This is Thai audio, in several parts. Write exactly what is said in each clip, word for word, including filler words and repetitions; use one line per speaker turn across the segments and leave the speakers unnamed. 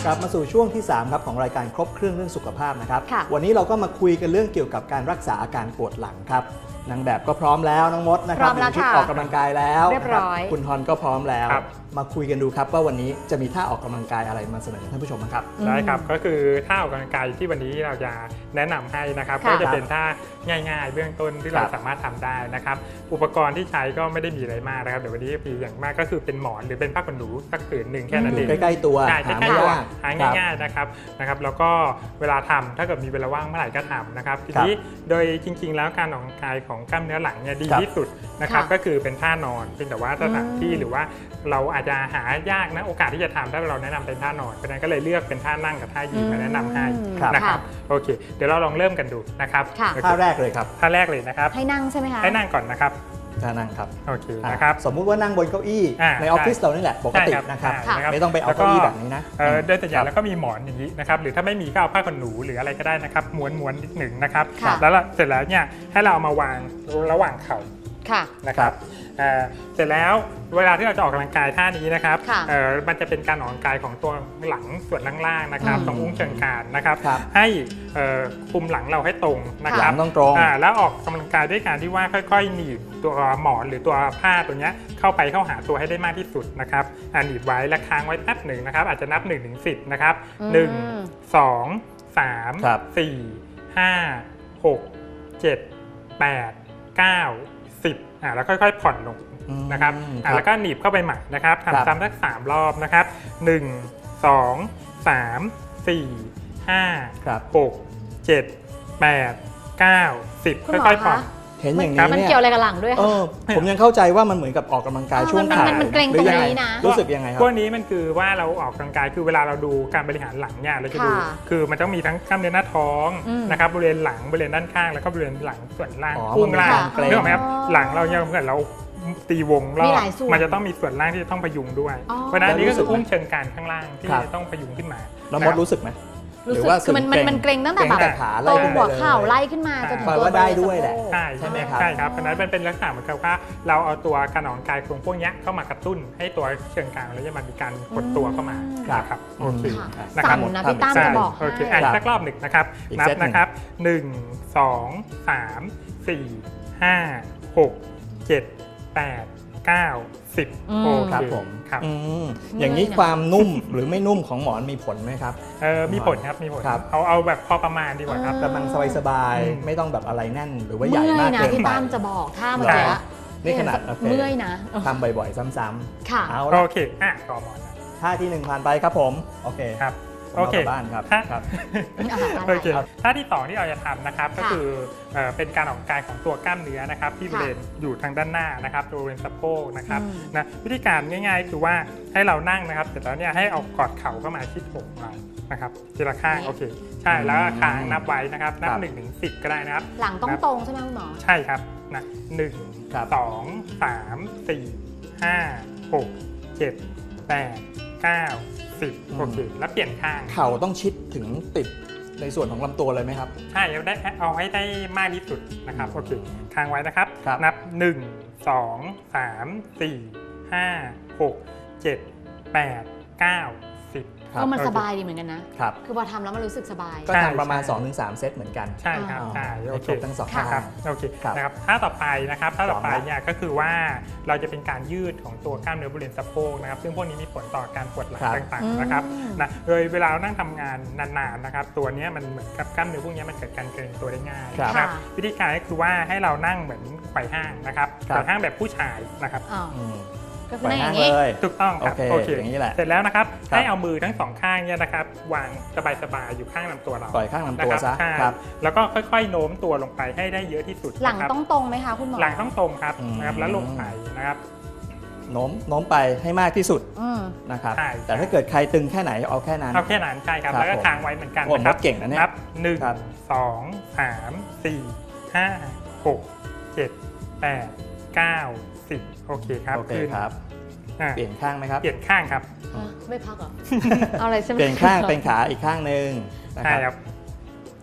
ลับมาสู่ช่วงที่สามครับของรายการครบเครื่องเรื่องสุขภาพนะครับ
ค่ะ
วันนี้เราก็มาคุยกันเรื่องเกี่ยวกับการรักษาอาการปวดหลังครับนางแบบก็พร้อมแล้วน้องมดนะครับ
พร้อมแล้ว
ชุด
ค่ะ
ออกกำลังกายแล้ว
เรียบร้อย
นะคคุณทอนก็พร้อมแล้ว
ครับ
มาคุยกันดูครับว่าวันนี้จะมีท่าออกกำลังกายอะไรมาเสนอท่านผู้ชมนะครับ
ได้ครับก็คือท่าออกกำลังกายที่วันนี้เราจะแนะนำให้นะครับ
ค่ะ
ก็จะเป็นท่าง่ายๆ เบื้องต้นที่เรา
ครับ
สามารถทำได้นะครับอุปกรณ์ที่ใช้ก็ไม่ได้มีอะไรมากนะครับเดี๋ยววันนี้มีอย่างมากก็คือเป็นหมอนหรือเป็นผ้าขนหนูสักผืนหนึ่งแค่นั้น
อ
เอยู่ ง
ใกล้ๆตัว
ใช่
หา
ใกล้
ไม่
ๆตัวย
าก
หา
ครับ
ง่ายๆนะครับนะครับแล้วก็เวลาทำถ้าเกิดมีเวลาว่างเมื่อไหร่ก็ทำนะครับทีนี้โดยจริงๆ แล้วการออกกำลังกายของกล้ามเนื้อหลังเนี่ยดี
ครับ
ที่สุดนะครับ
ค่ะ
ก็คือเป็นท่านอนเพียงแต่ว่าสถานที่
อืม
หรือว่าเราอาจจะหายากนะโอกาสที่จะทำถ้าเราแนะนำเป็นท่านอนเพราะฉะนั้นก็เลยเลือกเป็นท่านั่งกับท่ายืนมาแนะนำให้
ครับ
นะครับโอเคเดี๋ยวเราลองเริ่มกันดูนะครับ
ค่ะ
โอเค
ท่าแรกเลยครับ
ท่าแรกเลยนะครับ
ให้นั่งใช่ไหมคะ
ให้นั่งก่อนนะครับ
ท่านั่งครับ
โอเค
อ่ะ
นะครับ
สมมุติว่านั่งบนเก้าอี้
อ่า
ในออฟฟิศเรานี่แหละปกติ
ใช่
นะครับ
ใช่นะครับ
ไม่ต้องไปเอา
แล้วก็
เก้าอี้แบบนี้นะ
เอ่อโดยส่วนใหญ่แล้วก็มีหมอนอย่างนี้นะครับหรือถ้าไม่มีก็เอาผ้าขนหนูหรืออะไรก็ได้นะครับม้วนม้วนนิดหนึ่งนะครับ
ค่ะ
แล้วเสร็จแล้วเนี่ยให้เราเอามาวางระหว่างเข่า
ค่ะ
นะครับเอ่อเสร็จแล้วเวลาที่เราจะออกกำลังกายท่านี้นะครับ
ค่ะ
เอ่อมันจะเป็นการออกกำลังกายของตัวหลังส่วนล่างๆนะครับ
อืม
ตรงอุ้งเชิงกรานนะครับ
ครับ
ให้เอ่อคุมหลังเราให้ตรงนะค
ห
รั
ลั
บ
งต้องตรง
อ่าแล้วออกกำลังกายด้วยการที่ว่าค่อยๆหนีบตัวหมอนหรือตัวผ้าตัวเนี้ยเข้าไปเข้าหาตัวให้ได้มากที่สุดนะครับอ่าหนีบไว้และค้างไว้แป๊บหนึ่งนะครับอาจจะนับหนึ่งถึงสิบนะครับ
อืม
หนึ่ง สอง สาม
ครับ
สี่ ห้า หก เจ็ด แปด เก้า สิบอ่าแล้วค่อยๆผ่อนลง
อืม
นะครับ
ค
อ่า
รับ
แล้วก็หนีบเข้าไปใหม่นะครับ
ครับ
ทำซ้ำสักสามรอบนะครับหนึ่ง สอง สาม สี่ ห้า
ครับ
หก เจ็ด แปด เก้า สิบ
คุณหมอ
ค่อยๆผ่อน
คะ
เห็นอย่าง
ครั
นี้
บ
มัน
เนี่ย
เกี่ยวอะไรกับหลังด้วย
เอ
คะ
อผมยังเข้าใจว่ามันเหมือนกับออกกำลังกาย
เออ
ช่วง
มัน
ขา
มันเกร็ง
หรือยั
ตรง
ไง
นี้นะ
รู้สึกยังไงครั
พ
บ
วกนี้มันคือว่าเราออกกำลังกายคือเวลาเราดูการบริหารหลังเนี่ยเราจะดู
ค่ะ
คือมันต้องมีทั้งกล้ามเนื้อหน้าท้อง
อืม
นะครับบริเวณหลังบริเวณด้านข้างแล้วก็บริเวณหลังส่วนล่าง
อ๋อ
พุ่งล่าง
มันมีความเกร็ง
นึกออกไหมครับหลังเราเนี่ยเหมือนเราตีวงรอ
มี
บ
หลายส่วน
มันจะต้องมีส่วนล่างที่จะต้องพยุงด้วย
อ๋อ
เพราะฉะนั้นอันนี้ก็คือ
แล้วรู้สึกไหม
อุ้งเชิงกรานข้างล่างที่
ครับ
จะต้องพยุงขึ้นมา
แล้วมดรู้สึกไหม
รู้
หรื
สึ
อก ว่า
คือมันมันมันเกร็งตั้งแต่
เกร็
แบบ
แต่ขา
ตร
ไล่
ง
ขึ้นไป
หัว
เลย
เข่าไล่ขึ้นมาจนถึง
แปล
ตัว
ว่าได้
บริเวณ
ด้วยแหละ
สโพก
ใช่
ใช่ไหมครับ
ใช่ครับเพราะฉะนั้นมันเป็นลักษณะเหมือนกับว่าเราเอาตัวการออกกำลังกายตรงพวกเนี้ยเข้ามากระตุ้นให้ตัวเชิงกรานแล้วจะมันมีการกดตัวเข้ามา
ครับ
นะครับโอเค
ค่ะ
นะครับ
สั่นนะพี่ตั้ม
ใช่
จะบอก
โอเค
ให้
อ่ะ
ครับ
สักรอบหนึ่งนะครับ
อีก
นับ
เซตหนึ่ง
นะครับหนึ่ง สอง สาม สี่ ห้า หก เจ็ด แปด เก้า สิบ
อืม
โอเค
ครับผม
ครับ
อืมอย่างนี้ความนุ่มหรือไม่นุ่มของหมอนมีผลไหมครับ
เออมีผลครับมีผล
ครับ
เอาเอาแบบพอประมาณดีกว่าครับ
อ่า
กำลังสบาย
อืม
ๆไม่ต้องแบบอะไรแน่นหรือว่าใหญ่
เมื่
มา
อก ยนะ
เกิน
พี่
ไป
ตั้มจะบอกถ้าเมื่อ
ใช่
กี้
นี่ขนาดโอเค
เมื่อยนะ
ทำบ่อยๆ ซ้ำ
ค่ะ
ๆเอา
โอ
ละ
เคอ่ะต่อหมอนนะ
ท่าที่หนึ่งผ่านไปครับผมโอเค
ครับ
ผม
โอ
เอา
เค
กลับบ้านครับ
ถ้า
ครับ
อ่าได้
โอเค
ครับ
ท่าที่สองที่เราจะทำนะครับก็
ค่ะ
คือเอ่อเป็นการออกกำลังกายของตัวกล้ามเนื้อนะครับที่บ
ค่ะ
ริเวณอยู่ทางด้านหน้านะครับบริเวณสะโพกนะครับ
อืม
นะวิธีการง่ายๆคือว่าให้เรานั่งนะครับเสร็จแล้วเนี่ยให้เอากอดเข่าเข้ามาชิดอกเรานะครับทีละข้างโอเคใช่แล้วก็ค้างนับไว้นะครับนับ
ครับ
หนึ่งถึงสิบก็ได้นะครับ
หลังต้องตรงใช่ไหมคุณหมอ
ใช่ครับนะหนึ่ง
ครับ
สองสามสี่ห้าหกเจ็ดแปดเก้าสิบโอเคแล้วเปลี่ยนข้าง
เข่าต้องชิดถึงติดในส่วนของลำตัวเลยไหมครับ
ใช่เอาได้เอาให้ได้มากที่สุดนะครับโอเคค้างไว้นะครับ
ครับ
นับหนึ่ง สอง สาม สี่ ห้า หก เจ็ด แปด เก้า สิบ
ครับ
ก็มัน
โอเค
สบายดีเหมือนกันนะ
ครับ
คือพอทำแล้วมันรู้สึกสบาย
ก็
ใช่
ทำประมาณ
ใช่
สองถึงสาม เซตเหมือนกัน
ใช่ครับ
อ๋อ
ใช่โอ
ให้
เค
ครบทั้งสอง
ค่ะ
ท่า
ครับโอเค
ครับ
นะครับท่าต่อไปนะครับท่าต่อไป
พร้อมแล้ว
เนี่ยก็คือว่าเราจะเป็นการยืดของตัวกล้ามเนื้อบริเวณสะโพกนะครับซึ่งพวกนี้มีผลต่อการปวดหลัง
ครับ
ต่าง
อืม
ๆนะครับนะโดยเวลาเรานั่งทำงานนานๆนะครับตัวเนี้ยมันเหมือนกับกล้ามเนื้อพวกเนี้ยมันเกิดการเกร็งตัวได้ง่าย
ครับ
นะครับ
ค่ะ
วิธีการก็คือว่าให้เรานั่งเหมือนไขว่ห้างนะครับ
ครับ
ไขว่ห้างแบบผู้ชายนะครับ
อ๋อ
อืม
ก็คือ
ไป
นั่งอ
นั่ง
ย่างนี้
เลย
ถูกต้องครับ
โอเคอย่างนี้แหละ
เสร็จแล้วนะครับ
ครับ
ให้เอามือทั้งสองข้างเนี่ยนะครับวางสบายๆอยู่ข้างลำตัวเรา
ปล่อยข้างลำตัว
นะครับ
ซะ
ใช่
ครับ
แล้วก็ค่อยๆโน้มตัวลงไปให้ได้เยอะที่สุด
หลัง
นะครับ
ต้องตรงไหมคะคุณหมอ
หลังต้องตรงครับ
อืม
นะครับแล้วลงไปนะครับ
โน้มโน้มไปให้มากที่สุด
อืม
นะครับ
ใช่
แต่ถ้าเกิดใครตึงแค่ไหนเอาแค่นั้น
เอาแค่นั้นใช่ครับ
ครับ
แล้วก็
ผม
ค้างไว้เหมือนกัน
โอ้
นะครับ
มดเก่งนะเนี่ย
นับหนึ่ง
ครับ
สองสามสี่ห้าหกเจ็ดแปดเก้าสิบโอเคครับ
โอเค
ขึ้น
ครับ
อ่ะ
เปลี่ยนข้างไหมครับ
เปลี่ยนข้างครับ
ไม่พักเหรอ เอาอะไรใช่ไหม
เปลี่ยนข้างเป็นขาอีกข้างหนึ่งนะ
ใช่
ค
ค
รั
รั
บบ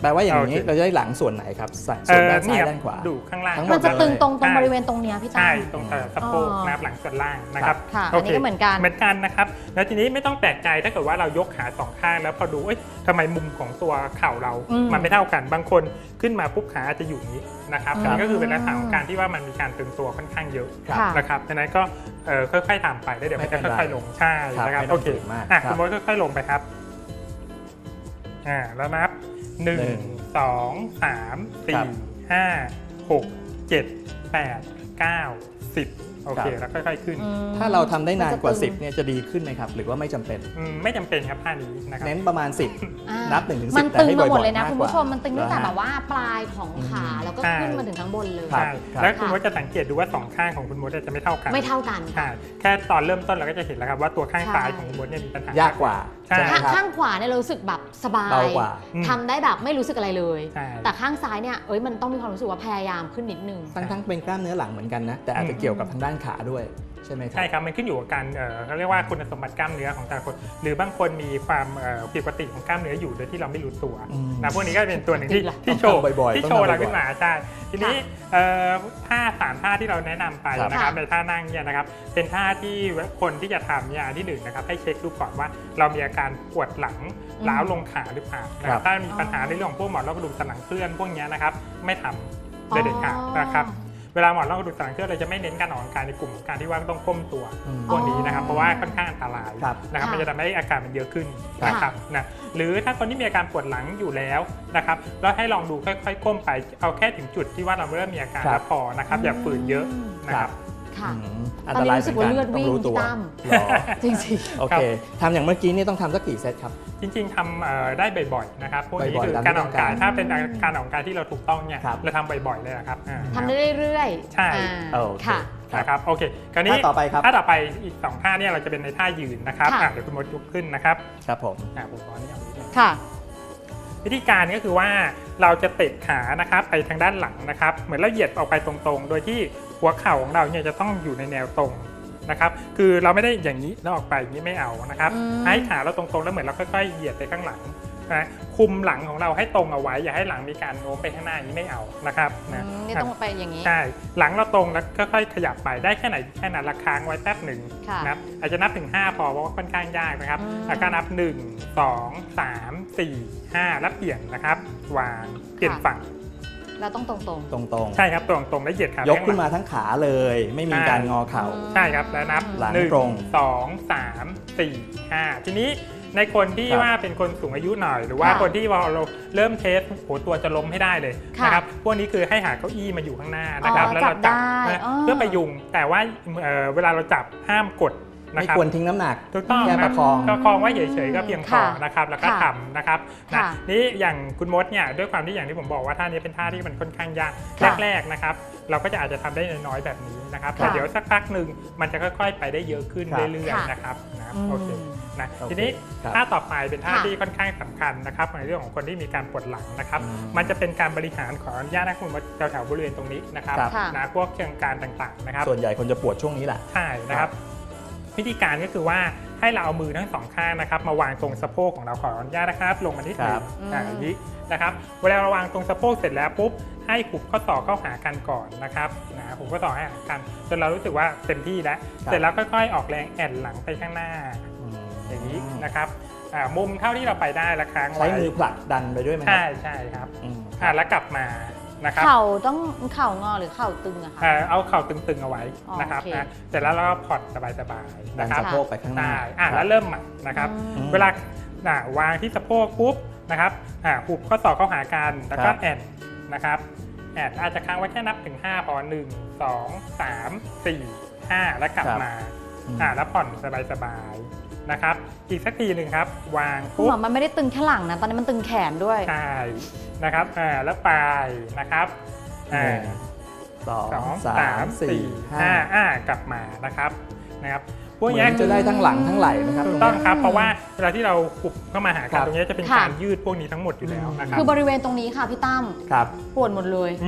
แปลว่าอย่างนี้
โอเค
เราจะได้หลังส่วนไหนครับส่วน
เอ่อ
ด้านซ้าย
ครับ
ด้านขวา
ดูข้างล่าง
ทั้งหม
มั
ด
นจะตึงตรงตรง
ใช่
บริเวณตรงเนี้ยพี่ตั้
ใช่
ม
ตรงเอ่อสะโพก
อ๋อ
นะครับหลังส่วนล่างนะครับ
ค่ะ
โ
อันนี้ก็เหมือนกัน
เหมือนกันนะครับแล้วทีนี้ไม่ต้องแปลกใจถ้าเกิดว่าเรายกขาสองข้างแล้วพอดูเอ้ยทำไมมุมของตัวเข่าเรา
อืม
มันไม่เท่ากันบางคนขึ้นมาปุ๊บขาอาจจะอยู่นี้นะครับ
อืม
อันนี้ก็คือเป็นลักษณะของการที่ว่ามันมีการตึงตัวค่อนข้างเยอะ
ครับ
ค่ะ
นะครับดังนั้นก็เอ่อค่อยๆทำไปแล้วเดี๋ยวมันจะ
ไม่เป็นไร
ค่อยๆลงใช่
ครับ
นะครับ
ไม่ต้
โอ
อง
เค
ฝืนมาก
อ่ะ
ครับ
คุณมดค่อยๆลงไปครับอ่าแล้วนับหนึ่ง
หนึ่ง
สองสาม
ครั
สี่
บ
ห้าหกเจ็ดแปดเก้าสิบโอเค
ครับ
แล้วค่อยๆขึ้น
อืม
ถ้าเราทำได้นานกว่า
มันจะตึง
สิบเนี่ยจะดีขึ้นไหมครับ หรือว่าไม่จำเป็น
อืมไม่จำเป็นครับท่านี้นะครับ
เน้นประมาณ สิบ
อ่า
นับหนึ่งถึงสิบ
มัน
แต่
ตึง
ให้
มาหมด
บ่อยๆ
เลยนะ
มาก
คุณ
กว่า
ผู้ชมมันตึงตั้งแต่
เหรอฮะ
แบบว่าปลายของขาแล้วก็
ใช่
ขึ้นมาถึงข้างบนเลย
ครั
ใช่
บครับ
แล้วคุณ
ค่ะ
มดจะสังเกตดูว่าสองข้างของคุณมดจะไม่เท่ากัน
ไม่เท่ากัน
ใช่แค่ตอนเริ่มต้นเราก็จะเห็นแล้วครับว่าตัวข้าง
ใช่
ซ้ายของคุณมดเนี่ยมีปัญหาย
ากกว่า
ใช่
ใช่ไหม
ข้าง
ครับ
ข้างขวาเนี่ยเรารู้สึกแบบสบาย
เบากว่า
อืม
ทำได้แบบไม่รู้สึกอะไรเลย
ใช่
แต่ข้างซ้ายเนี่ยเอ้ยมันต้องมีความรู้สึกว่าพยายามขึ้นนิดนึง
ทั้งทั้งเป็นกล้ามเนื้อหลังเหมือนกันนะ แต่อาจจะเกี่ยวกับทางด้านขาด้วยใช่ไหมครับ
ใช่ครับ มันขึ้นอยู่กับการเอ่อเขาเรียกว่าคุณสมบัติกล้ามเนื้อของแต่ละคน หรือบางคนมีความเอ่อผิดปกติของกล้ามเนื้ออยู่โดยที่เราไม่รู้ตัว
อืม
นะพวกนี้ก็เป็นตัวหนึ่งที่
จริงเหรอ
ที่โชว์
ต้องทำบ่อยๆ
ที่
ต้อง
โชว์
ทำบ่อยๆ
เราขึ้นมาใช่ทีนี้เอ่อท่าสามท่าที่เราแนะนำไป
ครับ
นะครับ
ค่ะ
ในท่านั่งเนี่ยนะครับเป็นท่าที่คนที่จะทำเนี่ยอันที่หนึ่งนะครับให้เช็คดูก่อนว่าเรามีอาการปวดหลังล้าวลงขาหรือเปล่านะค
ครั
รับบ ถ้ามีปัญหาในเรื่องของพวกหมอนรองกระดูกสันหลังเคลื่อนพวกเนี้ยนะครับไม่ทำโดยเด็ดขาดนะครับ เวลาหมอนรองกระดูกสันหลังเคลื่อนเราจะไม่เน้นการออกกำลังกายในกลุ่มของการที่ว่าต้องก้มตัว
อืม
พวกนี้นะครับเพราะว่าค่อนข้างอันตราย
ครับ
นะครับ
ค่ะ
มันจะทำให้อาการมันเยอะขึ้น
ครับ
นะครับนะหรือถ้าคนที่มีอาการปวดหลังอยู่แล้วนะครับเราให้ลองดูค่อยๆก้มไปเอาแค่ถึงจุดที่ว่าเราเริ่มมีอาการ
ครับ
แล้วพอนะครับอย่าฝืนเยอะนะครับ
ค่ะ
อืมอัน
ตอ
ต
นนี้
ราย
รู้
เห
สึ
มื
ก
อน
ว่า
กัน
เลือด
ต้อ
วิ่
ง
ง
รู้ตัว
พี่ตั้ม
หรอ
จริง
โอเคทำอย่างเมื่อกี้นี่ต้องทำสักกี่เซตครับ
จริงๆทำเอ่อได้บ่อยๆนะครับพวกนี้
บ่อยๆ
คือ
ตาม
การออกกำลังกาย
ที่ต้องการ
ถ้าเป็นการออกกำลังกายที่เราถูกต้องเนี่ย
ครับ
เราทำบ่อยๆเลยนะครับอ่า
ๆทำได้เรื่อยๆ
ใช่
อ่า
โอเค
ค่ะ
นะครับโอเคคราวนี้
ท่าต่อไปครับ
ท่าต่อไปอีกสองท่าเนี่ยเราจะเป็นในท่ายืนนะครับ
ค่ะ
อ่ะเดี๋ยวคุณมดยกขึ้นนะครับ
ครับผม
อ่ะผมขออนุญาตนิดนึง
ค่ะ
วิธีการก็คือว่าเราจะเตะขานะครับไปทางด้านหลังนะครับ เหมือนเราเหยียดออกไปตรงๆ โดยที่หัวเข่าของเราเนี่ยจะต้องอยู่ในแนวตรงนะครับ คือเราไม่ได้อย่างนี้แล้วออกไปอย่างนี้ไม่เอานะครับ
อืม
ให้ขาเราตรงๆแล้วเหมือนเราค่อยๆเหยียดไปข้างหลังนะคุมหลังของเราให้ตรงเอาไว้อย่าให้หลังมีการโน้มไปข้างหน้าอย่างนี้ไม่เอานะครับ
อื
นะ
มนี่ต้องไปอย่างนี้
ใช่หลังเราตรงแล้วค่อยๆขยับไปได้แค่ไหนแค่นั้นละค้างไว้แป๊บหนึ่ง
ค่ะ
นะครับอาจจะนับถึงห้าพอเพราะว่าค่อนข้างยากนะครับ
อืม
แล้วก็นับหนึ่ง สอง สาม สี่ ห้าแล้วเปลี่ยนนะครับวางเปลี่ยนฝั่ง
เราต้องตรง
ตรง
ใช่ครับตรงๆแล้วเหยียดขา
ๆ
ไป
ยก
ข้างห
ขึ้น
ลัง
มาทั้งขาเลย ไม่มีการงอเข่า
อืม
ใช่ครับแล้วนับ
หลัง
หนึ่ง
ตรง
สองสามสี่ห้าทีนี้ในคนที่
ครับ
ว่าเป็นคนสูงอายุหน่อย หรือว่า
ค่ะ
คนที่ว่าเราเริ่มเทสโหตัวจะล้มให้ได้เลย
ค่ะ
นะครับพวกนี้คือให้หาเก้าอี้มาอยู่ข้างหน้านะครับ
อ๋อ
แล้วเราจับ
จับได้
นะ
อ๋อ
เพื่อไปยุงแต่ว่าเอ่อเวลาเราจับห้ามกดนะ
ไม่
ครับ
ควรทิ้งน้ำหนัก
ถูกต้อง
แค่
นะ
ประคอง
ประคองไว้เฉยๆก็เพียงพอ
ค่ะ
นะครับแล้วก็
ค่ะ
ทำนะครับนะ
ค่ะ
นี่อย่างคุณมดเนี่ยด้วยความที่อย่างที่ผมบอกว่าท่านี้เป็นท่าที่มันค่อนข้างยาก
ค่ะ
แรกๆนะครับเราก็จะอาจจะทำได้น้อยๆแบบนี้นะครับแต่
ค่ะ
เดี๋ยวสักพักหนึ่งมันจะค่อยๆ ไปได้เยอะขึ้น
ครับ
เรื่อย
ค่ะ
ๆนะครับนะ
อืม
โอเคนะ
โอเค
ทีนี้
ครับ
ท่าต่อไปเป็นท่า
ค่ะ
ที่ค่อนข้างสำคัญนะครับในเรื่องของคนที่มีการปวดหลังนะครับ
อืม
มันจะเป็นการบริหารขออนุญาตนะคุณมดแถวๆบริเวณตรงนี้นะครับ
ครับ
ค่ะ
นะพวกเชิงการต่างๆนะครับ
ส่วนใหญ่คนจะปวดช่วงนี้แหละ
ใช่นะครับ วิธีการก็คือว่าให้เราเอามือทั้งสองข้างนะครับ มาวางตรงสะโพกของเราขออนุญาตนะครับ ลงมานิดหนึ
ครั
ง
บ
อ่าอย่างนี้นะครับ เวลาเราวางตรงสะโพกเสร็จแล้วปุ๊บให้หุบข้อศอกเข้าหากันก่อนนะครับนะหุบข้อศอกให้หากันจนเรารู้สึกว่าเต็มที่แล้ว
ครับ
เสร็จแล้วค่อยๆออกแรงแอนหลังไปข้างหน้า
อืม
อย่างนี้นะครับอ่ามุมเท่าที่เราไปได้ละครั้ง
ใช้
ไว้
มือผลักดันไปด้วยไหมครั
ใช่ใช่ครับ
อืม
อ่าแล้วกลับมานะครับ
เข่าต้องเข่างอหรือเข่าตึงอะคะ
เอ่อเอาเข่าตึงๆเอาไว้นะครับ
อ๋อโอเค
นะเสร็จแล้วเราก็ผ่อนสบาย
ดั
ๆ
น
นะครับ
สะโพกไปข้างหน้า
ใช่อ่ะ
ค
แล้
รับ
วเริ่มใหม่นะครับ
อืม
เวลาอ่ะวางที่สะโพกปุ๊บนะครับอ่ะหุบข้อศอกเข้าหากันแล้วก็
ครับ
แอนนะครับแอนอาจจะค้างไว้แค่นับถึงห้าพอหนึ่ง สอง สาม สี่ ห้าแล้วกลับมา
อืม
อ่ะแล้วผ่อนสบายๆนะครับอีกสักทีหนึ่งครับ วาง
คุณ
ปุ๊
ห
บ
มอมันไม่ได้ตึงแค่หลังนะ ตอนนี้มันตึงแขนด้วย
ใช่นะครับอ่าแล้วไปนะครับอ่า
หนึ่งสอง
สอง
สา
สาม ม
สี่
สี่
ห้า
ห้าอ่ากลับมานะครับนะครับพวก
เหมื
เนี้
อย นจะได้ทั้งหลังทั้งไหล่นะครับ
ถู
ตร
ก
ง
ต้อง
เนี้ย
ครับเพราะว่าเวลาที่เราขุบเข้ามาหา
ค
กั
รั
น
บ
ตรงนี้จะเป็น
ค่ะ
การยืดพวกนี้ทั้งหมดอยู่แล้วนะครับ
คือบริเวณตรงนี้ค่ะพี่ตั้ม
ครับ
ปวดหมดเลย
อืม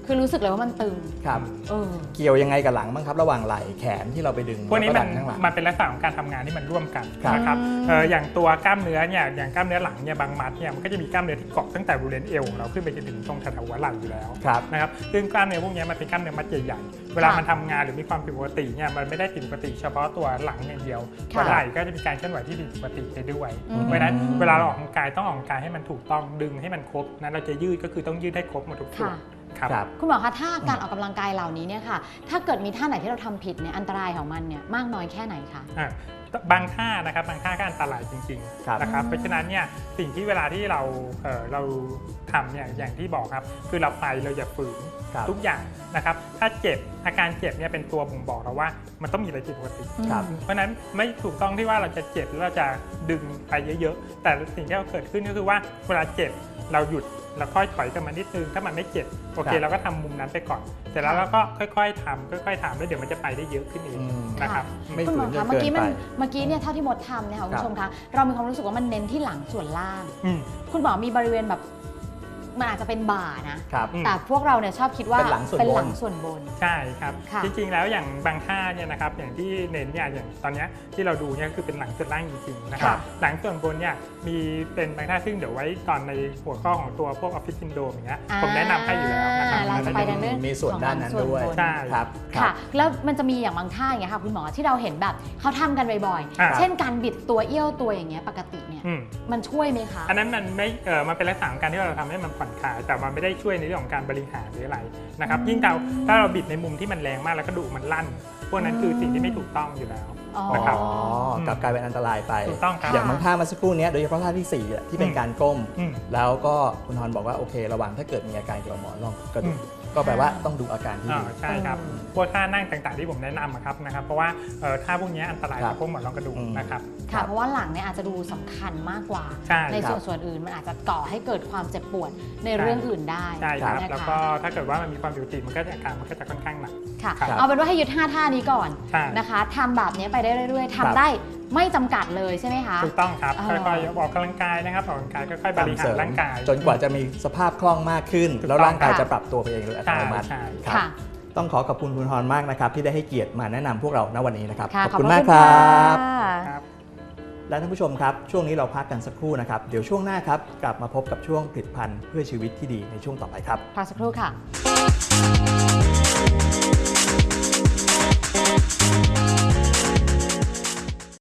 คือรู้สึกเลยว่ามันตึง
ครับ
เออ
เกี่ยวยังไงกับหลังบ้างครับ ระหว่างไหล่แขนที่เราไปดึง
พวกนี้
แล้
มัน
ดัข้างหลัง
มันเป็นลักษณะของการทำงานที่มันร่วมกัน
ครับ
นะครับ
อืม
เอ่ออย่างตัวกล้ามเนื้อเนี่ยอย่างกล้ามเนื้อหลังเนี่ยบางมัดเนี่ยมันก็จะมีกล้ามเนื้อที่เกาะตั้งแต่บริเวณเอวของเราขึ้นไปจนถึงตรงแถวๆหัวไหล่อยู่แล้ว
ครับ
นะครับซึ่งกล้ามเนื้อพวกนี้มันเป็นกล้ามเนื้อมัดใหญ่ๆเวลามันทำงานหรือมีความผิดปกติเนี่ยมันไม่ได้ผิดปกติเฉพาะตัวหลังอย่างเดียว
ค่ะ
หัวไหล่ก็จะมีการเคลื่อนไหวที่ผิดปกติไปด้วย
อืม
เพราะฉะนั้นเวลาเราออกกำลังกายต้องออกกำลังกายให้มันถูกต้องดึงให้มันครบนะเราจะยืดก็คือต้องยืดให้ครบหมดทุกส่วน
ค่ะ
ครับ
ครับ
คุณหมอคะถ้าการออกกำลังกายเหล่านี้เนี่ยค่ะ ถ้าเกิดมีท่าไหนที่เราทำผิดเนี่ยอันตรายของมันเนี่ยมากน้อยแค่ไหนคะ
อ่ะบางท่านะครับบางท่าก็อันตรายจริง
ครับ
ๆนะครับเพราะฉะนั้นเนี่ยสิ่งที่เวลาที่เราเอ่อเราทำเนี่ยอย่างที่บอกครับคือเราไปเราอย่าฝืน
ครับ
ทุกอย่างนะครับถ้าเจ็บอาการเจ็บเนี่ยเป็นตัวบ่งบอกเราว่ามันต้องมีอะไรผิดปกติ
ครับ
อืม
เพราะฉะนั้นไม่ถูกต้องที่ว่าเราจะเจ็บหรือเราจะดึงไปเยอะๆ แต่สิ่งที่เราเกิดขึ้นก็คือว่าเวลาเจ็บเราหยุดแล้วค่อยถอยกลับมานิดนึงถ้ามันไม่เจ็บโอเค
ครับ
เราก็ทำมุมนั้นไปก่อนเสร็จแล้วเราก็ค่อยๆทำค่อยๆทำแล้วเดี๋ยวมันจะไปได้เยอะขึ้นเอง
อืม
นะครับ
ไม่
คุณหม
ฝื
อน
จ
คะ
น
เมื่อ
เกิน
กี้
ไป
มันเมื่อกี้เนี่ยเท่าที่มดทำเนี่ยค่ะคุณผู้ชมคะเรามีความรู้สึกว่ามันเน้นที่หลังส่วนล่าง
อืม
คุณหมอมีบริเวณแบบมันอาจจะเป็นบ่านะ
ครับ
อืม
แต่พวกเราเนี่ยชอบคิดว่า
เป็นหลังส่วนบน
เป็นหลังส่วนบน
ใช่ครับ
ค่ะ
จริงๆแล้วอย่างบางท่าเนี่ยนะครับอย่างที่เน้นเนี่ยอย่างตอนเนี้ยที่เราดูเนี่ยคือเป็นหลังส่วนล่างจริงๆนะครับ
ค่ะ
หลังส่วนบนเนี่ยมีเป็นบางท่าซึ่งเดี๋ยวไว้ตอนในหัวข้อของตัวพวกออฟฟิศซินโดรมอย่างเงี้ยผมแนะนำให้อยู่แล้วนะครับ
เราจะไปในเรื่อง
มีส่วนด้านนั้นด้วย
ของหลังส่วนบน
ใช่
ครับครั
ค่ะ
บ
แล้วมันจะมีอย่างบางท่าอย่างเงี้ยค่ะคุณหมอที่เราเห็นแบบเขาทำกันบ่อย
อ่า
ๆ เช่นการบิดตัวเอี้ยวตัวอย่างเงี้ยปกติเนี่ย
อืม
มันช่วยไหมคะ
อันนั้นมันไม่เออมันเป็นลักษณะของการที่เราทำให้มันผ่อนคลาย แต่มันไม่ได้ช่วยในเรื่องของการบริหารหรืออะไรนะครับ ยิ่งเราถ้าเราบิดในมุมที่มันแรงมากแล้วกระดูกมันลั่น พวกนั้นคือสิ่งที่ไม่ถูกต้องอยู่แล้ว
อ๋อ
นะครับ
อ๋อกลับกลายเป็นอันตรายไป
ถูกต้องครับ
อย่างบางท่าเมาสักครู่เนี้ยโดยเฉพาะท่าที่สี่อะที่เป็น
อืม
การก้ม
อืม
แล้วก็คุณทอนบอกว่าโอเค ระหว่างถ้าเกิดมีอาการเกี่ยวกับหมอนรองกระดูก
อืม
ก็แปลว่าต้องดูอาการที่
อ่า
ดี
ใช่ครับ
อืม
พวกท่านั่งต่างๆที่ผมแนะนำอะครับนะครับ เพราะว่าเอ่อท่าพวกนี้อันตราย
ครั
กับบ พวกหมอนรองกระดูก
อืม
นะครับ
ค่ะเพราะว่าหลังเนี่ยอาจจะดูสำคัญมากกว่า
ใช่
ใน
ครั
ส่
บ
วนส่วนอื่นมันอาจจะก่อให้เกิดความเจ็บปวดในเรื่องอื่นได้
ใช่ครับ
นะคะ
แล้วก็ถ้าเกิดว่ามันมีความผิดปกติมันก็จะอาการมันก็จะค่อนข้างหนัก
ค่ะ
ครับ
เอาเป็นว่าให้ยึดห้าท่านี้ก่อน
ใช่
นะคะทำแบบนี้ไปได้เรื่อยๆ
ครับ
ทำได้ไม่จำกัดเลยใช่ไหมคะ
ถูกต้องครับ
อ๋อ
ค่อยๆออกกำลังกายนะครับออกกำลังกายค่อยๆบริหารร่างกาย
จนกว่าจะมีสภาพคล่องมากขึ้น
ถูกต้อง
แล้วร่างกาย
ค่ะ
จะปรับตัวไปเองโดยอัต
ใช่
โนมัติ
ใช่
ครับ
ค่ะ
ต้องขอขอบคุณคุณทอนมากนะครับที่ได้ให้เกียรติมาแนะนำพวกเราณวันนี้นะครับ
ค่ะ
ขอบคุณ
พะ
มากครับ
ะ
ครับ
และท่านผู้ชมครับ ช่วงนี้เราพักกันสักครู่นะครับ เดี๋ยวช่วงหน้าครับกลับมาพบกับช่วงผลิตภัณฑ์เพื่อชีวิตที่ดีในช่วงต่อไปครับ
พักสักครู่ค่ะ